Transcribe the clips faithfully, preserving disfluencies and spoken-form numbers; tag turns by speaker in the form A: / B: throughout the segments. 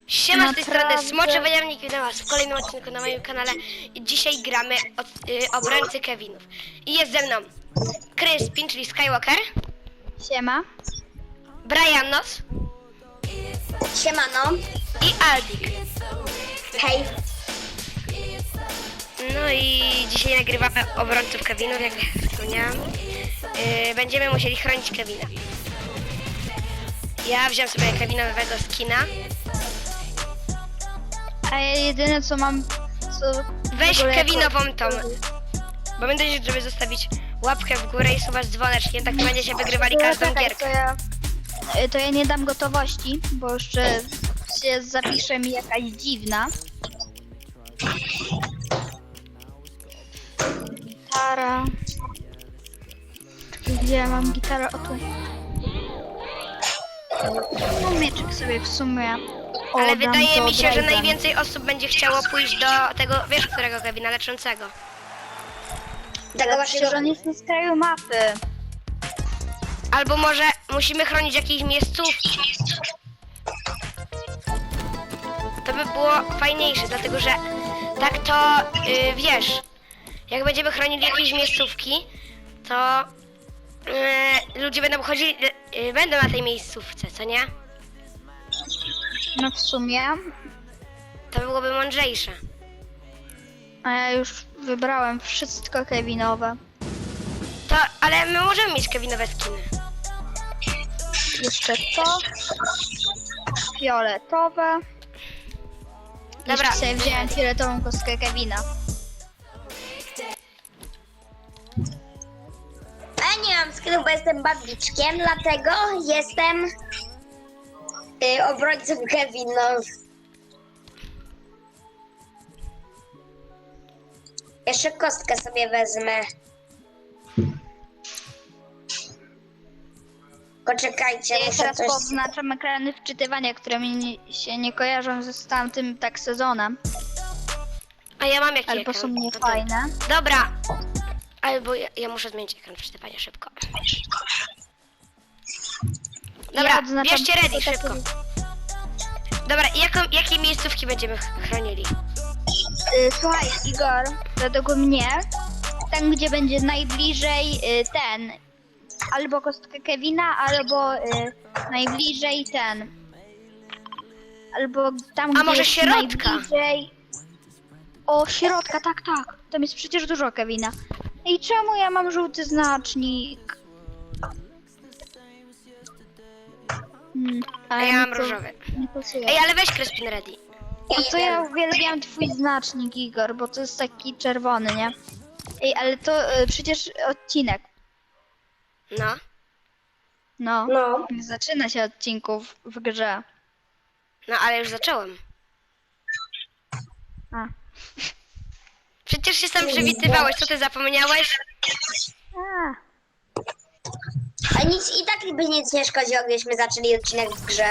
A: Siema, z tej strony
B: Naprawdę?
A: Smoczy Wojownik, witam was w kolejnym odcinku na moim kanale. I dzisiaj gramy od, y, obrońcy Kevinów. I jest ze mną Crispin, czyli Skywalker,
B: Siema.
A: Brianos
C: Siemano.
A: i Aldik.
C: Hej.
A: No i dzisiaj nagrywamy obrońców Kevinów, jak wspomniałam. Y, będziemy musieli chronić Kevina. Ja wziąłem sobie Kevinowego skina.
B: A ja jedyne co mam, co...
A: Weź
B: w ogóle
A: Kevinową
B: jako-
A: tą. Bo będę, żeby zostawić łapkę w górę i suwać z dzwoneczkiem, tak to będziecie wygrywali każdą
B: Czekaj,
A: gierkę.
B: To ja, y, to ja nie dam gotowości, bo jeszcze się zapisze mi jakaś dziwna. Gitara. Gdzie ja mam gitarę? O tu. No mieczek sobie w sumie.
A: Ale
B: oddam,
A: wydaje
B: to
A: mi się, że
B: odradzam.
A: najwięcej osób będzie chciało pójść do tego, wiesz którego Kevina, leczącego.
C: Tego
B: Przecież
C: waszego...
B: on jest na skraju mapy.
A: Albo może musimy chronić jakieś miejscówki. To by było fajniejsze, dlatego że tak to, yy, wiesz, jak będziemy chronili jakieś miejscówki, to yy, ludzie będą chodzili, yy, będą na tej miejscówce, co nie?
B: No w sumie.
A: To byłoby mądrzejsze.
B: A ja już wybrałem wszystko Kevinowe.
A: To, ale my możemy mieć Kevinowe skiny.
B: Jeszcze to. Fioletowe.
A: Dobra.
B: Jeszcze sobie wziąłem fioletową kostkę Kevina.
C: A nie mam skrytu, bo jestem babiczkiem, dlatego jestem y, obrońcą Kevinów. Jeszcze kostkę sobie wezmę. Poczekajcie,
B: Ja
C: muszę
B: teraz
C: coś...
B: poznaczam ekrany wczytywania, które mi nie, się nie kojarzą z tamtym tak sezonem.
A: A ja mam jakiś
B: Albo
A: ekran.
B: są
A: No to-
B: niefajne.
A: Dobra. Albo ja, ja muszę zmienić ekran przeczytania szybko. Dobra,
B: Ja odznaczam
A: bierzcie ready,
B: tylko takie-
A: szybko. Dobra, i jaką, jakie miejscówki będziemy ch- chronili?
B: Y, Słuchaj, Igor, według mnie, tam gdzie będzie najbliżej y, ten, albo kostkę Kevina, albo y, najbliżej ten, albo tam
A: A
B: gdzie
A: może
B: jest
A: środka?
B: najbliżej... O, środka, tak, tak, tam jest przecież dużo Kevina. I czemu ja mam żółty znacznik? Hmm,
A: A
B: ale
A: ja
B: mi
A: mam
B: to
A: różowy.
B: nie pasuje.
A: Ej, ale weź Crispin ready.
B: No to ja uwielbiam twój znacznik, Igor, bo to jest taki czerwony, nie? Ej, ale to y, przecież odcinek.
A: No.
B: No.
C: No.
B: Nie zaczyna się odcinków w grze.
A: No, ale już zacząłem.
B: A.
A: Przecież się sam przywitywałeś, co ty zapomniałeś?
B: A.
C: A nic, i tak by nic nie szkodziło, gdybyśmy zaczęli odcinek w grze.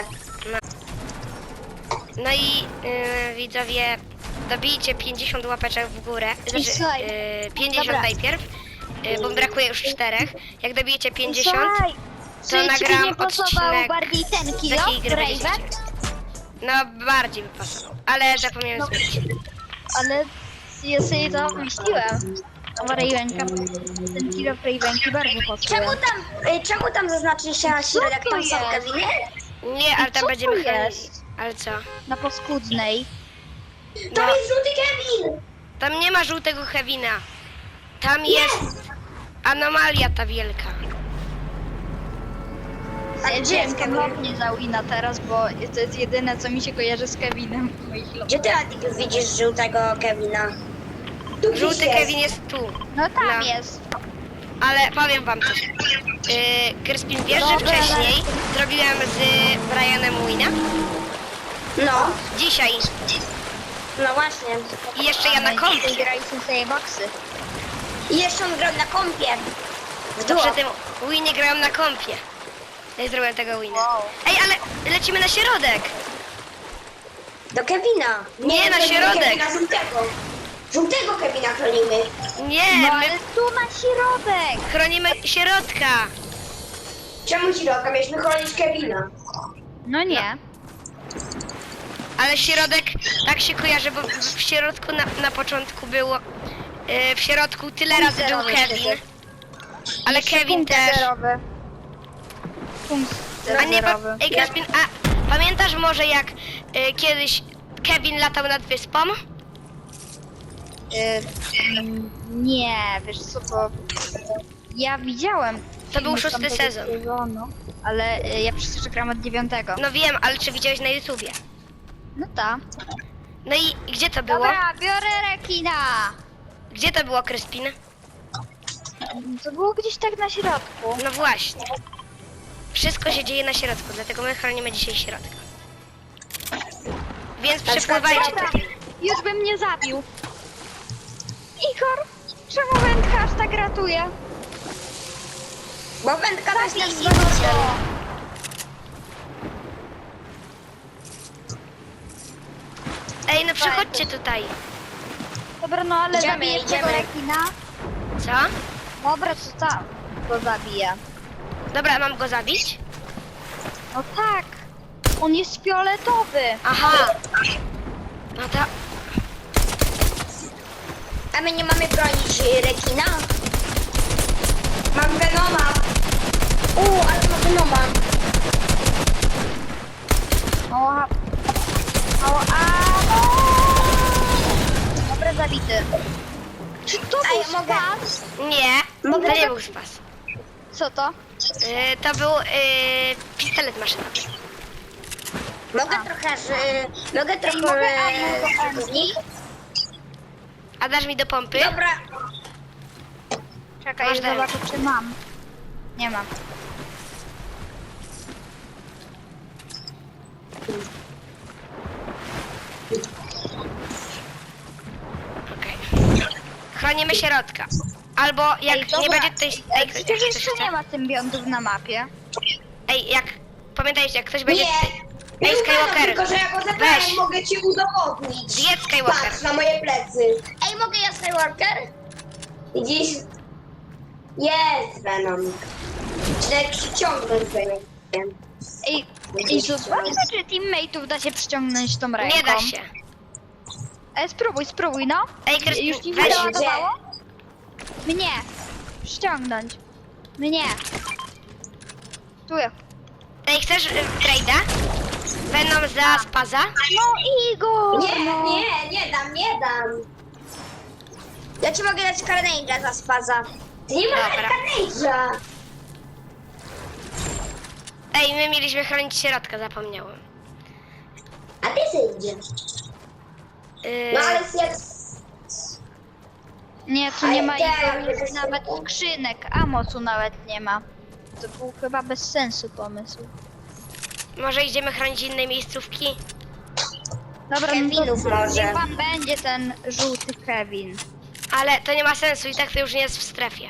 A: No i yy, widzowie, dobijcie pięćdziesiąt łapeczek w górę. Znaczy,
B: słuchaj,
A: yy, pięćdziesiąt
B: dobra.
A: najpierw, yy, bo brakuje już czterech. Jak dobijecie pięćdziesiąt,
B: Słuchaj,
A: to
B: czy ci
A: nagram
B: nie pasował
A: odcinek
B: bardziej ten
A: z
B: kilo,
A: takiej gry
B: Raven?
A: będziecie. No, bardziej by pasował, ale zapomniałem
B: No.
A: zmienić.
B: Ale ja sobie to myśliłem. A Ravenka, ten kilo Ravenki bardzo pasuje.
C: Czemu tam, y, czemu tam zaznaczyliście na środek,
B: to
C: tam są
B: jest?
C: Keviny?
A: Nie, ale
B: co
A: tam
B: to
A: będziemy chronić.
B: jest?
A: Ale co?
B: Na paskudnej.
C: To
A: No.
C: jest żółty Kevin!
A: Tam nie ma żółtego Kevina. Tam jest anomalia ta wielka.
C: A gdzie
B: Zjedziemy
C: jest Kevin?
B: ponownie za Wina teraz, bo to jest jedyne, co mi się kojarzy z Kevinem w moich lotach.
C: Gdzie ty, Adik, widzisz żółtego Kevina? Tu gdzieś
A: Żółty
C: jest.
A: Kevin jest tu.
B: No tam
A: No.
B: jest.
A: Ale powiem wam coś. Yy, Crispin, wiesz, że
B: Dobra,
A: wcześniej zrobiłem z Brianem Wina?
C: No,
A: Dzisiaj.
C: no właśnie.
A: I jeszcze ja na kompie.
B: Graliśmy sobie boksy.
C: I jeszcze on grał na kompie. W
A: To
C: duo.
A: przy tym Winie grałem na kompie. Nie zrobiłem tego Wina.
B: Wow.
A: Ej, ale lecimy na środek.
C: Do Kevina.
A: Nie, na
C: do
A: środek.
C: Kevina żółtego. Żółtego Kevina chronimy.
A: Nie,
B: No
A: my
B: ale tu na środek!
A: chronimy środka.
C: Czemu ci roka? Mieliśmy chronić Kevina.
B: No nie.
A: Ale środek tak się kojarzy, bo w w środku na, na początku było... Yy, w środku tyle razy był
B: zerowy
A: Kevin.
B: wtedy.
A: Ale
B: Jeszcze
A: Kevin
B: punkt
A: też.
B: zerowy. Punkt
A: A nie, pa,
B: zerowy.
A: ej, Crispin, a pamiętasz może jak y, kiedyś Kevin latał nad wyspą?
B: Y, mm, nie, wiesz co, to ja widziałem.
A: To był
B: filmy z
A: szósty
B: tamtego
A: sezon.
B: Sezonu, ale y, ja przecież gram od dziewiątego.
A: No wiem, ale czy widziałeś na YouTubie?
B: No tak.
A: No i gdzie to było?
B: Dobra, biorę rekina.
A: Gdzie to było, Crispin?
B: To było gdzieś tak na środku.
A: No właśnie. Wszystko się dzieje na środku, dlatego my chronimy dzisiaj środka. Więc przypływajcie
B: Dobra,
A: tutaj.
B: już bym mnie zabił. Igor, czemu wędka aż tak ratuje?
C: Bo wędka to jest nasz
B: Zabij
C: zbawiciel.
B: go.
A: Ej, no przychodźcie tutaj.
B: Dobra, no ale
C: Idziemy,
B: zabijesz tego
C: idziemy.
B: rekina?
A: Co?
B: Dobra, to tam go zabiję.
A: Dobra, mam go zabić?
B: No tak, on jest fioletowy.
A: Aha. No to...
C: A my nie mamy bronić y, rekina? Mam Venoma. Uuu, ale ma Venoma.
B: Mało hap. Mało ammo. Dobra, zabity. Czy to
C: A
B: był
C: ja mogę-
B: spas?
A: Nie,
C: Mogę
A: to nie
C: tak-
A: był spas.
B: Co to?
A: Yy, to był yy, pistolet maszynowy.
C: Mogę
B: A.
C: trochę, że... Mogę trochę...
B: mogę ammo do
C: e,
B: Emki?
C: z nich?
A: A dasz mi do pompy?
C: Dobra.
B: Czekaj,
A: Masz dalej.
B: zobaczę czy mam. Nie mam.
A: Okej. Chronimy środka. Albo jak
B: Ej, dobra.
A: nie będzie tutaj...
B: Ej,
A: Ej,
B: przecież
A: jak ktoś
B: jeszcze
A: chce-
B: nie ma symbiontów na mapie.
A: Ej, jak... Pamiętajcie, jak ktoś będzie...
C: Nie.
A: tutaj-
C: Nie
A: Ej,
C: uważam,
A: Skywalker!
C: tylko że ja go zabrałem,
A: Weź.
C: mogę ci udowodnić.
A: Zjedz Skywalker.
C: Patrz na moje plecy. Ej, mogę ja Skywalker? Widzisz? Jest Venom. Czy przyciągnąć Venom.
B: Ej, ej, zobaczmy czy teammateów da się przyciągnąć tą ręką.
A: Nie da się.
B: Ej, spróbuj, spróbuj, no.
A: Ej, Kryspin,
B: Już ci
A: weź.
B: załadowało? Mnie. Ściągnąć. Mnie. Tu.
A: Ej, chcesz y, trade'a? Venom za spaza?
B: No Igor!
C: Nie,
B: no.
C: nie, nie dam, nie dam. Ja ci mogę dać Carnage'a za spaza. Ty nie masz
A: Dobra.
C: Carnage'a.
A: Ej, my mieliśmy chronić środka, zapomniałem.
C: A ty zejdzie.
A: Yy,
C: No ale jak...
B: Nie, tu
C: Ale
B: nie ma
C: nie,
B: Igor,
C: nie
B: nawet skrzynek, amocu nawet nie ma. To był chyba bez sensu pomysł.
A: może idziemy chronić inne miejscówki?
B: Dobra,
C: Kevinów
B: no to
C: może.
B: niech pan będzie ten żółty Kevin.
A: Ale to nie ma sensu i tak to już nie jest w strefie.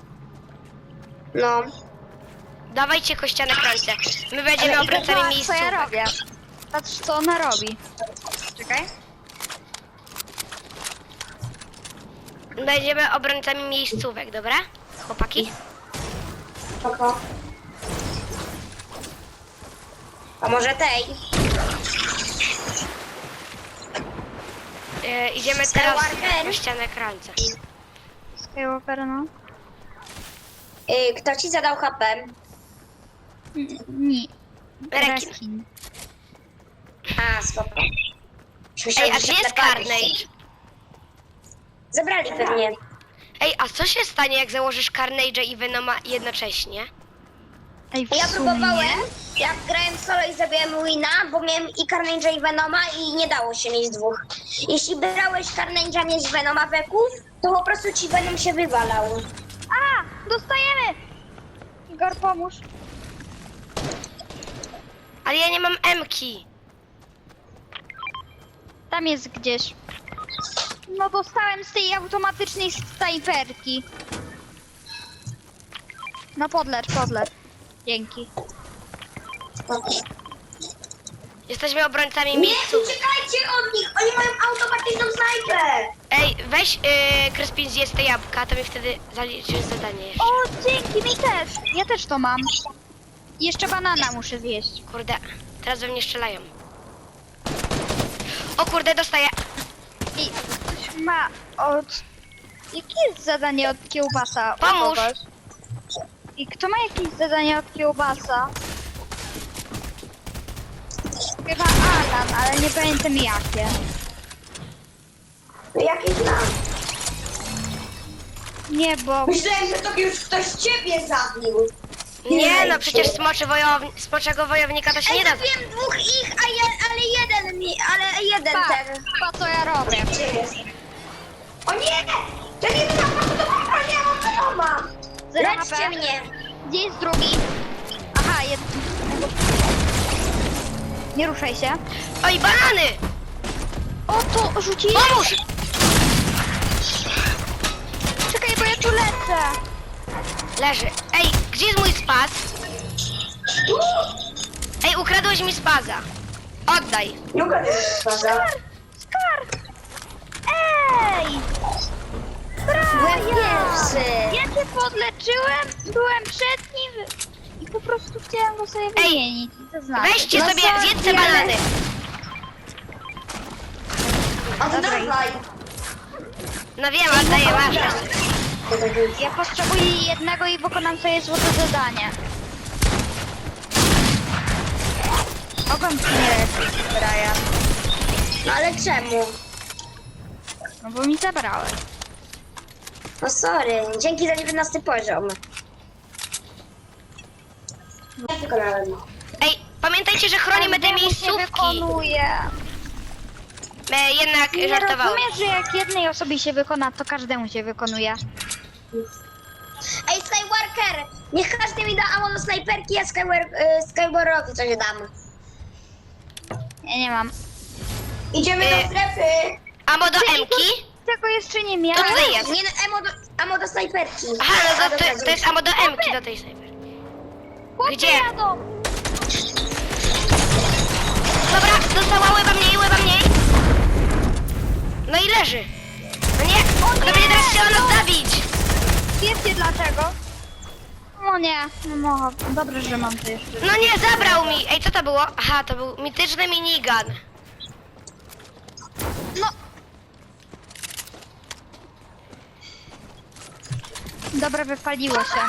C: No.
A: Dawajcie kościane krańce. My będziemy
B: Ale
A: obrońcami
B: Igor, zobacz, co ja
A: miejscówek.
B: robię. Patrz co ona robi. Czekaj.
A: Będziemy obrońcami miejscówek, dobra? Chłopaki?
C: Spoko. A może tej?
A: Yy, idziemy teraz
C: Skywalker?
A: na kościane krańce.
B: Skywalker, no.
C: Y, kto ci zadał H P?
B: N- Nie.
A: Rekin.
B: Rekin.
C: A, spoko.
A: Ej, a gdzie jest Carnage?
C: Zabrali pewnie.
A: Ej, a co się stanie, jak założysz Carnage'a i Venoma jednocześnie?
B: Ej, w
C: Ja
B: sumie.
C: próbowałem, jak grałem solo i zrobiłem wina, bo miałem i Carnage'a i Venoma i nie dało się mieć dwóch. Jeśli brałeś Carnage'a mieć Venoma weków, to po prostu ci Venom się wywalał.
B: A! Dostajemy! Igor, pomóż.
A: Ale ja nie mam M-ki.
B: Tam jest gdzieś. No dostałem z tej automatycznej snajperki. No podlecz, podlecz. Dzięki.
A: Jesteśmy obrońcami
C: Nie,
A: miejscówek.
C: uciekajcie od nich! Oni mają automatyczną snajpę!
A: Ej, weź yy, Kryspin zjedz te jabłka, to mi wtedy zaliczysz zadanie jeszcze.
B: O, dzięki, mi też. Ja też to mam. Jeszcze banana muszę zjeść.
A: Kurde, teraz we mnie strzelają. O kurde, dostaję.
B: I ktoś ma od... Jakie jest zadanie od kiełbasa? u
A: Pomóż.
B: kogoś? I kto ma jakieś zadanie od kiełbasa? Chyba Alan, ale nie pamiętam jakie.
C: No jakieś znam.
B: Nie, bo...
C: Myślałem, że to już ktoś ciebie zabił.
A: Nie no, przecież smoczy wojowni smoczego wojownika to się nie
C: Ej,
A: da.
C: zabiłem dwóch ich, a je, ale jeden mi, ale jeden
B: Pa,
C: ten.
B: pa co ja robię.
C: Gdzie jest? O nie! To nie to to dobra, nie mam wiadoma!
B: Zero
C: Leczcie
B: H P.
C: mnie!
B: Gdzie jest drugi? Aha, jeden. Nie ruszaj się.
A: Oj, banany!
B: O, to rzucili?
A: Pomóż!
B: Czekaj, bo ja tu lecę.
A: Leży. Ej, gdzie jest mój spaz? Ej, ukradłeś mi spaza. Oddaj.
C: Nie ukradłem spaza.
B: Skar! Ej!
C: Byłem
B: Braja!
C: pierwszy.
B: Ja cię podleczyłem, byłem przed nim i po prostu chciałem go sobie wymienić. I to znaczy.
A: Weźcie
B: No
A: sobie,
B: sorry,
A: zjedzcie
B: ale-
A: banany.
C: Oddawaj!
A: No wiem, oddaję, masz.
B: Ja potrzebuję jednego i wykonam sobie złote zadanie. Mogłem ci nie leczyć, Brian.
C: No ale czemu?
B: No bo mi zabrałeś.
C: No sorry, dzięki za dziewiętnasty poziom. Ja wykonałem.
A: Ej, pamiętajcie, że chronimy te
B: Każdemu się
A: miejscówki.
B: wykonuje.
A: E, jednak
B: Nie
A: żartowałem.
B: rozumiesz, że jak jednej osobie się wykona, to każdemu się wykonuje.
C: Ej, Skywalker! Niech każdy mi da ammo do snajperki, a Skywar, y, Skywalkerowi coś dam.
B: Ja nie mam.
C: Idziemy
A: Y,
C: do strefy!
A: Amo do
B: Ty,
A: Emki?
B: Tego jeszcze nie
A: To
B: miałem.
A: tutaj jest.
C: Nie, no, ammo do, ammo do snajperki.
A: Aha, no
C: A,
A: to,
C: dobra,
A: to, to jest amo do Emki, do tej snajperki.
B: Chłopcy
A: Gdzie?
B: jadą.
A: Dobra, dostała łeba mniej, łeba mniej. No i leży. No nie, ona będzie teraz chciała nas zabić.
B: Wiecie dlaczego? No nie, no mogę. Dobrze, że mam to jeszcze.
A: No nie, zabrał mi. Ej, co to było? Aha, to był mityczny minigun.
B: No. Dobra, wypaliło się.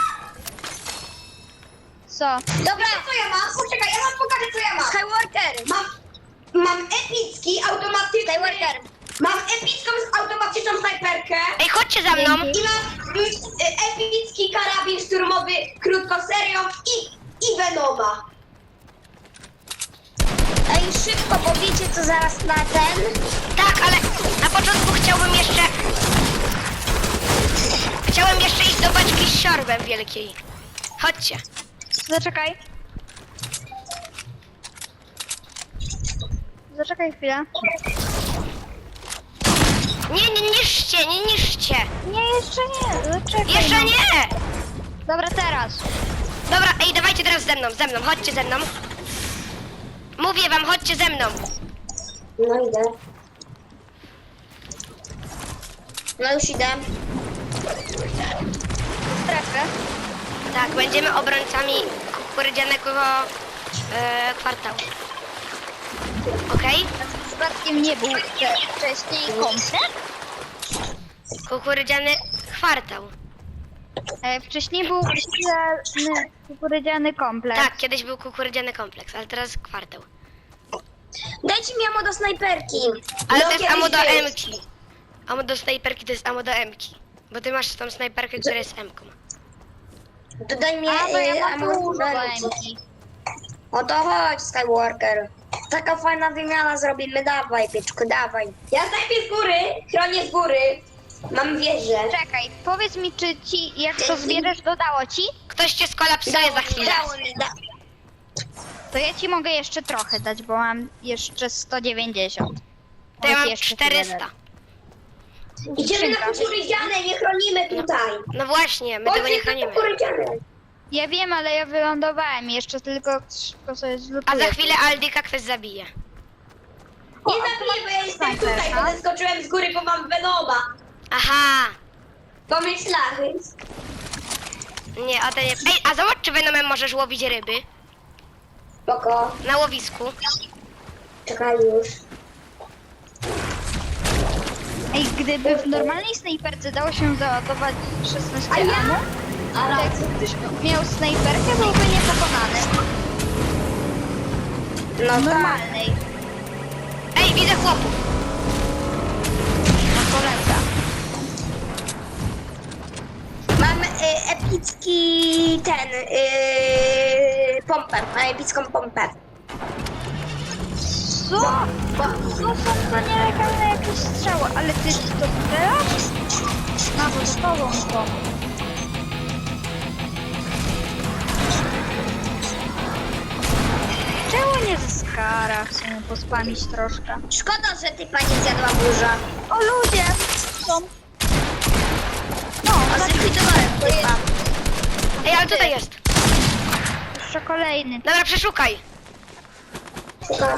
B: Co?
C: Dobra, co ja mam? Poczekaj, ja wam pokażę, co ja mam. Skywalker! Mam, mam epicki, automatyczny... Skywalker! Mam epicką, automatyczną snajperkę.
A: Ej, chodźcie za mną.
C: I mam mm, e, epicki karabin szturmowy krótkoserią i, i Venoma. Ej, szybko, bo wiecie co zaraz na ten?
A: Tak, ale na początku chciałbym jeszcze... Chciałem jeszcze iść do beczki z siorbem wielkiej. Chodźcie.
B: Zaczekaj. Zaczekaj chwilę.
A: Nie, nie niszczcie, nie niszczcie.
B: Nie, jeszcze nie. Zaczekaj.
A: Jeszcze
B: no.
A: nie.
B: Dobra, teraz.
A: Dobra, ej, dawajcie teraz ze mną, ze mną, chodźcie ze mną. Mówię wam, chodźcie ze mną.
C: No idę. No już idę.
B: Strefę.
A: Tak, będziemy obrońcami kukurydzianego e, kwartału. Okej?
B: Przypadkiem nie był te, wcześniej komplet?
A: Kukurydziany kwartał.
B: E, wcześniej był kukurydziany, kukurydziany kompleks.
A: Tak, kiedyś był kukurydziany kompleks, ale teraz kwartał.
C: Dajcie mi ammo do snajperki.
A: Ale
C: No,
A: to jest
C: kiedyś
A: amo do
C: był.
A: emki. Amo do snajperki to jest amo do emki. Bo ty masz tą snajperkę, która jest emką.
C: To daj mi
B: A, bo
C: e,
B: ja mam
C: ammo do
B: dużo
C: snajperki.
B: emki.
C: O to chodź, Skywalker. Taka fajna wymiana zrobimy, dawaj, pieczku, dawaj. Ja snajpię z góry, chronię z góry. Mam wieżę.
B: Czekaj, powiedz mi, czy ci, jak to zbierzesz, dodało ci?
A: Ktoś cię skolapsuje za chwilę.
C: Dało mi, da.
B: To ja ci mogę jeszcze trochę dać, bo mam jeszcze sto dziewięćdziesiąt.
A: To ja
B: Mogę ci
A: mam
B: jeszcze
A: czterysta.
B: tyle
C: Idziemy na
B: Skrzynka.
C: kukurydziane, nie chronimy tutaj.
A: No właśnie, my tego nie chronimy.
C: kukurydziane.
B: Ja wiem, ale ja wylądowałem, jeszcze tylko szybko sobie
A: A
B: zlutuję.
A: za chwilę Aldika ktoś zabije.
C: Nie zabiję, bo ja jestem tutaj, bo zeskoczyłem z góry, bo mam Venoma.
A: Aha.
C: Pomyślałem.
A: Nie, o to nie. Ej, a zobacz, czy Venomem możesz łowić ryby
C: Spoko.
A: na łowisku.
C: Czekaj już.
B: Ej, gdyby w normalnej snajperce dało się załadować szesnaście
C: A ja?
B: ammo,
C: A
B: to jak ktoś miał snajperkę, byłby niepokonany.
C: No
B: W
C: tak.
B: normalnej.
A: Ej, widzę chłopów.
B: No poleca.
C: Mam y, epicki ten, y, pompę, mam epicką pompę.
B: Co?
C: Bo,
B: To są to nielegalne jakieś strzały, ale ty to strzelasz? No bo z tobą to. Czemu nie ze skara? Chcę pospamić troszkę.
C: szkoda, że ty pani zjadła burza.
B: O ludzie! Są. No,
C: A
B: tak,
C: zlikwidowałem typa.
A: Ej, ale tutaj jest.
B: jeszcze kolejny.
A: Dobra, przeszukaj.
C: Szukam.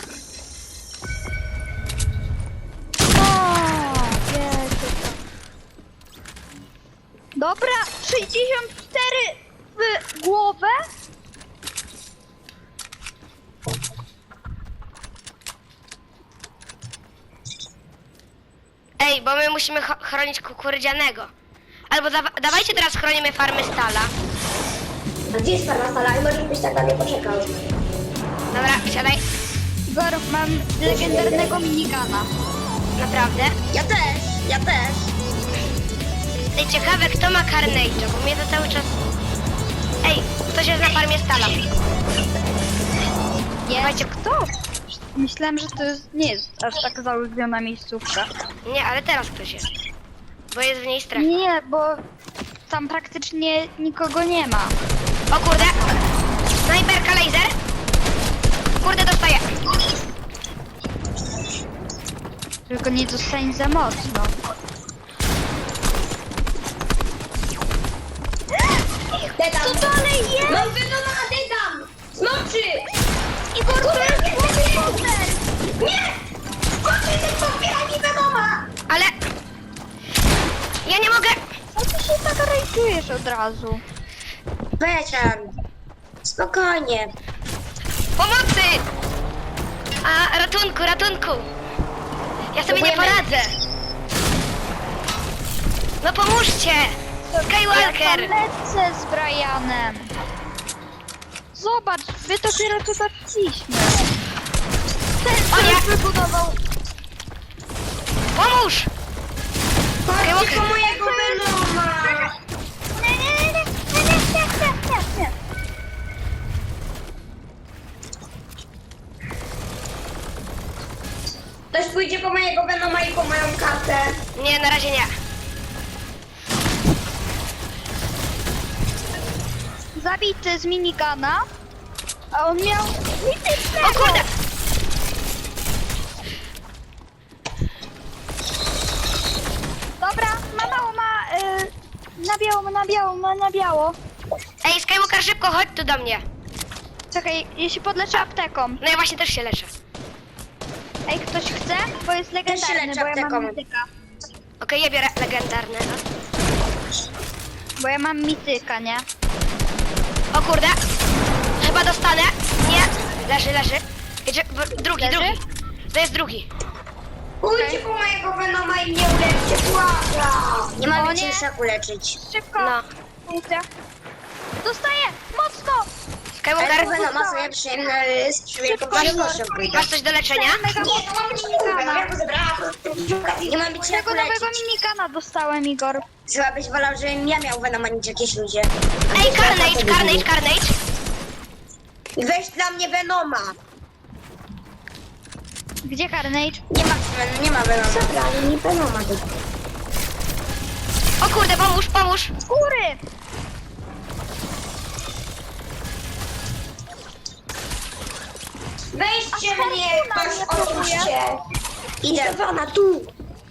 B: O, Jezu. Dobra, sześćdziesiąt cztery w głowę.
A: Ej, bo my musimy cho- chronić kukurydzianego. Albo dawa- dawajcie teraz chronimy farmy stala.
C: A gdzie jest farma stala? I możesz być tak dalej poczekał.
A: Dobra, siadaj.
B: Igor, mam legendarnego minigana.
A: Naprawdę.
C: Ja też, ja też.
A: Ej, ciekawe kto ma Carnage'a, bo mnie to cały czas... Ej, ktoś jest na farmie stala.
B: Jest kto? Myślałem, że to jest, nie jest aż tak zaulubiona miejscówka.
A: Nie, ale teraz ktoś jest. Bo jest w niej strefa.
B: Nie, bo tam praktycznie nikogo nie ma.
A: O kurde! Snajperka laser! Kurde, dostaję!
B: Tylko nie dostań za mocno.
C: Dedam.
B: Co dalej jest?
C: Mam Venoma, dedam! Smoczy!
B: Igor, to jest komputer!
C: Nie! Smoczy, ten podbiera mi Venoma!
A: Ale... Ja nie mogę!
B: Co ty się tak rajtujesz od razu?
C: Becian. Spokojnie.
A: Pomocy! A, ratunku, ratunku! Ja sobie nie
C: Próbujemy.
A: poradzę! No pomóżcie! Skywalker!
B: Ja tam lecę z Brianem. Zobacz, wy dopiero tu doszliśmy. Ten,
A: O nie!
B: który wybudował...
A: Pomóż!
C: Chodźcie po mojego Venoma!
B: Nie, nie, nie, nie, nie, nie, nie, nie, nie.
C: Ktoś pójdzie po mojego Venoma i po moją kartę.
A: Nie, na razie nie.
B: Zabity z minigana, a on miał mitycznego.
A: O kurde!
B: Dobra, ma mało, ma y, na biało, ma na biało, ma na biało.
A: Ej, Skywalker, szybko, chodź tu do mnie.
B: Czekaj, ja się podleczę apteką.
A: No ja właśnie też się leczę.
B: Ej, ktoś chce? Bo jest legendarny,
C: leczę
B: bo ja mam
C: apteką.
B: mityka.
A: Okej, ja biorę legendarne.
B: Bo ja mam mityka, nie?
A: O kurde! Chyba dostanę. Nie! Leży, leży. Jedzie, w- drugi,
B: Leży?
A: drugi. To jest drugi.
C: Pójdźcie po mojego Venoma i mnie uleczcie, błagam! Nie
B: O
C: mam
B: nie.
C: więcej uleczyć.
B: Szybko.
A: No.
B: Punkcie. Dostaję! Mocno!
C: Ale
A: Skywalker,
C: po Venoma sobie przyjemny z wielką
B: Szybko,
C: przyjemnością pójdę.
A: masz coś do leczenia?
B: Mega
C: Nie, to mam być minigana. Ja go zebrałam. Nie mam być jak
B: Tego nowego
C: uleczyć.
B: minigana dostałem, Igor.
C: Chyba byś wolał, żebym ja miał Venoma niż jakieś ludzie.
A: Ej, Carnage, Carnage, Carnage!
C: I weź dla mnie Venoma.
B: Gdzie Carnage?
C: Nie ma, nie ma Venoma. Zabrali mi Venoma.
A: O kurde, pomóż, pomóż!
B: Góry!
C: Weźcie
B: A
C: mnie,
B: Fortuna
C: ktoś
B: mnie
C: otwórzcie. Idę Wana, tu.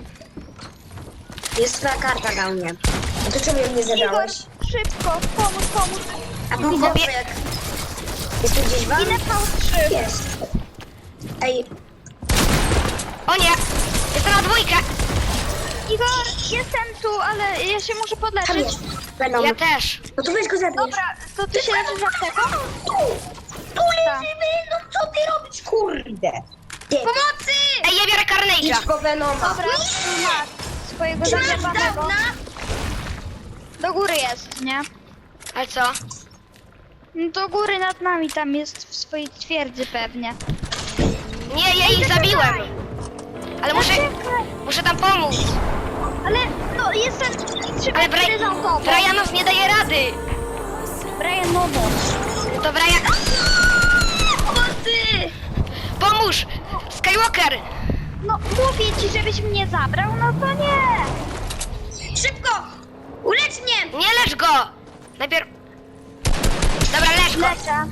C: Jest twoja karta dla mnie. A to czemu ją nie
B: Igor,
C: zebrałeś?
B: szybko, pomóż, pomóż.
C: A był
A: Idę.
C: chłopiek. Jest tu gdzieś Van?
B: Idę V trzy.
C: Jest. Ej,
A: O nie! Jestem na dwójkę!
B: Igor, jestem tu, ale ja się muszę
C: tam
B: podleczyć.
C: jest. Venom.
A: Ja też.
C: No to weź go zabierz.
B: Dobra, to ty się leczysz apteką?
C: Tu! Tu leży Venom, co ty robisz, kurde? Ty,
A: Pomocy! Ej, ja biorę Carnage! Carnage'a.
C: Idź po Venoma.
B: Dobra, tu masz swojego
C: Czy masz
B: zagrzebanego.
C: dawna?
B: Do góry jest, nie?
A: Ale co?
B: No do góry nad nami, tam jest w swojej twierdzy pewnie.
A: Nie, ja ich zabiłem. Ale muszę,
B: Zaczekaj.
A: muszę tam pomóc.
B: Ale no jestem trzy
A: Ale
B: metry za
A: Bra-
B: tobą.
A: Brianos nie daje rady.
B: Brian, no pomóż.
A: To Brian...
B: O ty!
A: Pomóż! Skywalker!
B: No mówię ci, żebyś mnie zabrał, no to nie!
C: Szybko! Ulecz mnie!
A: Nie lecz go! Najpierw... Dobra, lecz go.
B: Lecę.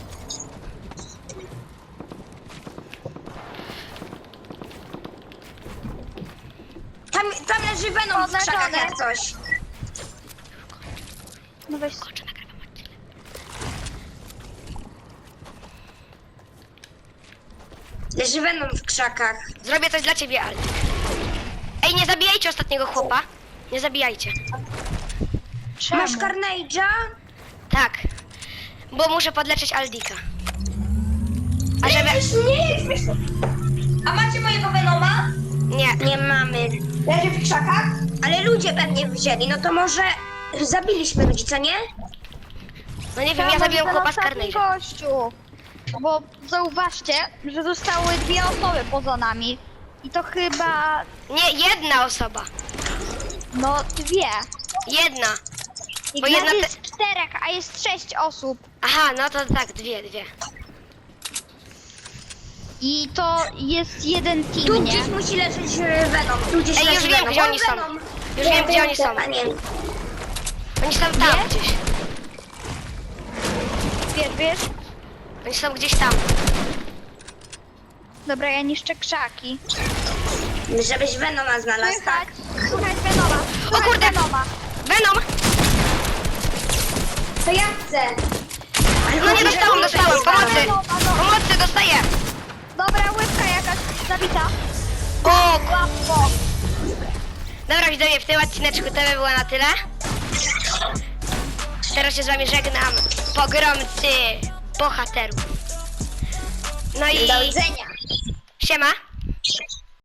C: Tam, tam leży Venom w krzakach
B: Oznaczone.
C: jak coś.
B: No weź.
A: Kończę, nagrywam odcinek.
C: Leży Venom w krzakach.
A: Zrobię coś dla ciebie, Aldi. Ej, nie zabijajcie ostatniego chłopa. Nie zabijajcie.
B: Czemu?
C: Masz Carnage'a?
A: Tak. Bo muszę podleczyć Aldika. A żeby...
C: Nie, nie, A macie mojego Venoma?
A: Nie.
C: Nie mamy. Leży w krzakach? Ale ludzie pewnie wzięli, no to może zabiliśmy ludzi, co nie?
A: No nie wiem, ja zabiłem
B: ten
A: chłopa z
B: ostatni
A: Carnage'a.
B: gościu. Bo zauważcie, że zostały dwie osoby poza nami. I to chyba,
A: Nie, jedna osoba.
B: no dwie.
A: Jedna.
B: I
A: Bo
B: nas
A: jedna te-
B: jest czterech, a jest sześć osób.
A: Aha, no to tak, dwie, dwie.
B: I to jest jeden
C: Tu
B: team, nie?
C: gdzieś musi leżeć e, Venom. Tu gdzieś
A: Ej,
C: leży
A: już wiem,
C: Venom.
A: gdzie
C: O,
A: oni są.
C: Venom.
A: Już wiem, gdzie oni są.
C: A nie.
A: Oni są tam gdzieś.
B: Wiesz, wiesz?
A: Oni są gdzieś tam.
B: Dobra, ja niszczę krzaki.
C: Żebyś Venoma znalazł,
B: Słychać,
C: tak?
B: słychać Venoma.
A: O
B: Słychać
A: kurde!
B: Venoma.
A: Venom!
C: To ja chcę. Ale
A: No nie
C: chodzi,
A: dostałam,
C: że-
A: dostałam. Pomocy!
B: Venoma, no.
A: Pomocy, dostaję!
B: Dobra, łydka jakaś zabita.
A: O,
B: Łatwo.
A: dobra, widzowie, w tym odcineczku to by było na tyle. Teraz się z wami żegnam. Pogromcy bohaterów. No i
C: Do widzenia.
A: siema.